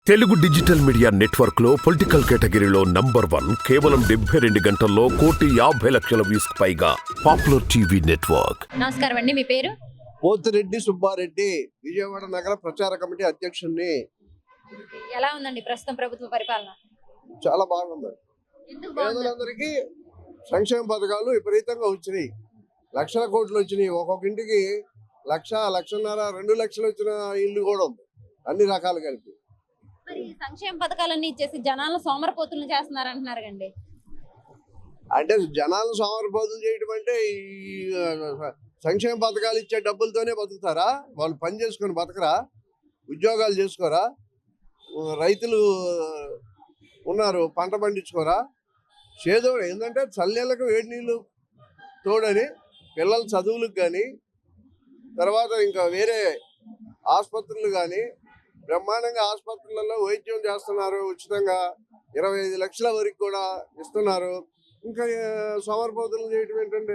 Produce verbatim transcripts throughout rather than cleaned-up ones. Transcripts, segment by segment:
Telugu digital media network లో political కేటగిరీలో number one కేవలం డెబ్బై రెండు గంటల్లో కోటి యాభై లక్షల వ్యూస్ పైగా పాపులర్ టీవీ నెట్వర్క్. నమస్కారం అండి, మీ పేరు? పోతిరెడ్డి సుబ్బారెడ్డి, విజయవాడ నగర ప్రచార కమిటీ అధ్యక్షుడిని. ఎలా ఉందండి ప్రస్తుతం ప్రభుత్వ పరిపాలన? చాలా బాగుంది. ఎందుకు బాగుంది? పేదలందరికీ సంక్షేమ పథకాలు విపరీతంగా వచ్చినాయి. లక్షల కోట్లు వచ్చినాయి. ఒక్కొక్క ఇంటికి లక్ష లక్షన్నర రెండు లక్షలు వచ్చిన ఇల్లు కూడా ఉంది, అన్ని రకాలు కలిపి. మరి సంక్షేమ పథకాలన్నీ ఇచ్చేసి జనాలను సోమరపోతులను చేస్తున్నారు అంటున్నారు కండి. అంటే జనాలను సోమరిపోతులు చేయడం అంటే ఈ సంక్షేమ పథకాలు ఇచ్చే డబ్బులతోనే బతుకుతారా? వాళ్ళు పని చేసుకొని బతకరా? ఉద్యోగాలు చేసుకోరా? రైతులు ఉన్నారు, పంట పండించుకోరా? చేదో ఏంటంటే చల్లెళ్ళకు వేడి నీళ్ళు తోడని పిల్లల చదువులకు కానీ, తర్వాత ఇంకా వేరే ఆసుపత్రులు కానీ బ్రహ్మాండంగా ఆసుపత్రులలో వైద్యం చేస్తున్నారు ఉచితంగా. ఇరవై ఐదు లక్షల వరకు కూడా ఇస్తున్నారు. ఇంకా సోమరిపోతులు చేయటం ఏంటంటే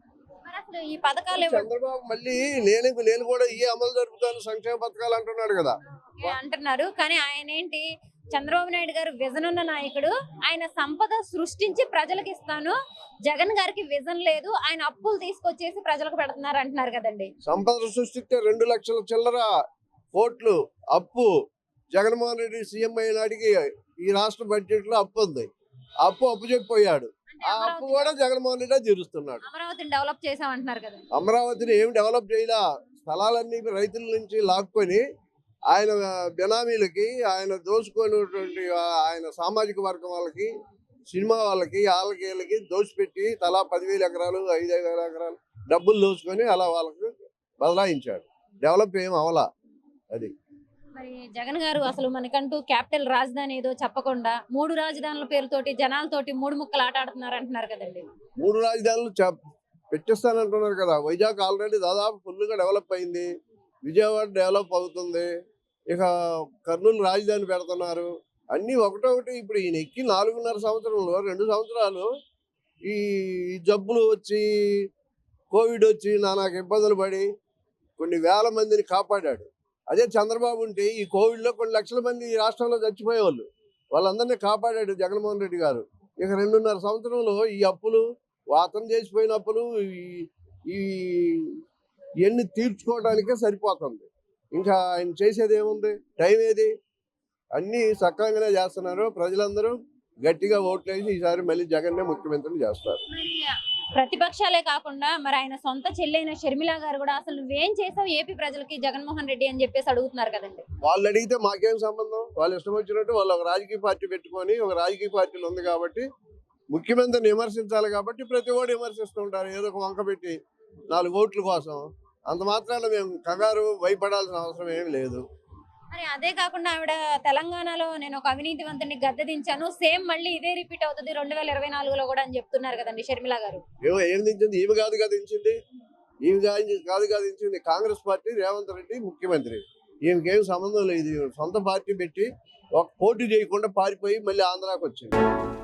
ఈ పథకాలు చంద్రబాబు మళ్ళీ నేను నేను కూడా ఈ అమలు జరుపుతాను సంక్షేమ పథకాలు అంటున్నాడు కదా అంటున్నారు. కానీ ఆయన ఏంటి, చంద్రబాబు నాయుడు గారు విజన్ ఉన్న నాయకుడు. ఆయన సంపద సృష్టించి ప్రజలకు ఇస్తాను, జగన్ గారికి విజన్ లేదు, ఆయన అప్పులు తీసుకొచ్చేసి ప్రజలకు పెడుతున్నారు అంటున్నారు కదండి. సంపద సృష్టిస్తే రెండు లక్షల చిల్లర కోట్లు అప్పు. జగన్మోహన్ రెడ్డి సీఎం అయినాడికి ఈ రాష్ట్ర బడ్జెట్ లో అప్పు ఉంది. అప్పు అప్పు చెప్పిపోయాడు. ఆ అప్పు కూడా జగన్మోహన్ రెడ్డి తీరుస్తున్నాడు. అమరావతిని డెవలప్ చేసామంటున్నారు కదా. అమరావతిని ఏం డెవలప్ చేయలా. స్థలాలన్నీ రైతుల నుంచి లాక్కొని ఆయన బెనామీలకి, ఆయన దోచుకున్నటువంటి ఆయన సామాజిక వర్గం వాళ్ళకి, సినిమా వాళ్ళకి, వాళ్ళకి వీళ్ళకి దోచిపెట్టి తలా పదివేల ఎకరాలు ఐదు వేల ఎకరాలు డబ్బులు దోచుకొని అలా వాళ్ళకి బదలాయించాడు. డెవలప్ ఏం అవలా. అది మరి జగన్ గారు అసలు మనకంటూ క్యాపిటల్ రాజధాని ఏదో చెప్పకుండా మూడు రాజధానుల పేరుతోటి జనాలతోటి మూడు ముక్కలు ఆట ఆడుతున్నారు అంటున్నారు కదండి. మూడు రాజధానులు పెట్టిస్తానంటున్నారు కదా. వైజాగ్ ఆల్రెడీ దాదాపు ఫుల్గా డెవలప్ అయింది. విజయవాడ డెవలప్ అవుతుంది. ఇక కర్నూలు రాజధాని పెడుతున్నారు. అన్నీ ఒకటొకటి. ఇప్పుడు ఈయన ఎక్కి నాలుగున్నర సంవత్సరంలో రెండు సంవత్సరాలు ఈ జబ్బులు వచ్చి, కోవిడ్ వచ్చి నానాకు ఇబ్బందులు పడి కొన్ని వేల మందిని కాపాడాడు. అదే చంద్రబాబు ఉంటే ఈ కోవిడ్లో కొన్ని లక్షల మంది ఈ రాష్ట్రంలో చచ్చిపోయేవాళ్ళు. వాళ్ళందరినీ కాపాడాడు జగన్మోహన్ రెడ్డి గారు. ఇక రెండున్నర సంవత్సరంలో ఈ అప్పులు, అతను చేసిపోయిన అప్పులు ఈ ఇవన్నీ తీర్చుకోవడానికే సరిపోతుంది. ఇంకా ఆయన చేసేది ఏముంది? టైం ఏది? అన్నీ సక్రమంగానే చేస్తున్నారు. ప్రజలందరూ గట్టిగా ఓట్లేసి ఈసారి మళ్ళీ జగన్నే ముఖ్యమంత్రిని చేస్తారు. ప్రతిపక్షాలే కాకుండా మరి ఆయన సొంత చెల్లైన షర్మిల గారు కూడా అసలు నువ్వేం చేసావు ఏపీ ప్రజలకి జగన్మోహన్ రెడ్డి అని చెప్పేసి అడుగుతున్నారు కదండి. వాళ్ళు అడిగితే మాకేం సంబంధం? వాళ్ళు ఇష్టం వచ్చినట్టు వాళ్ళు ఒక రాజకీయ పార్టీ పెట్టుకొని, ఒక రాజకీయ పార్టీలు ఉంది కాబట్టి ముఖ్యమంత్రిని విమర్శించాలి కాబట్టి ప్రతి ఓటు విమర్శిస్తూ ఉంటారు ఏదో ఒక వంక పెట్టి నాలుగు ఓట్ల కోసం. అంత మాత్రాన మేము కంగారు భయపడాల్సిన అవసరం ఏమి లేదు. మరి అదే కాకుండా ఆవిడ తెలంగాణలో నేను ఒక అవినీతివంతుని గద్దె దించాను, సేమ్ మళ్ళీ ఇదే రిపీట్ అవుతుంది రెండు వేల ఇరవై నాలుగులో కూడా అని చెప్తున్నారు కదండి షర్మిల గారు. ఏమో ఏం దించింది? ఈమె కాదు కదా దించింది. ఈమె కాదు కదా దించింది. కాంగ్రెస్ పార్టీ, రేవంత్ రెడ్డి ముఖ్యమంత్రి. ఈమెకేం సంబంధం లేదు. సొంత పార్టీ పెట్టి ఒక పోటీ చేయకుండా పారిపోయి మళ్ళీ ఆంధ్రాకి వచ్చింది.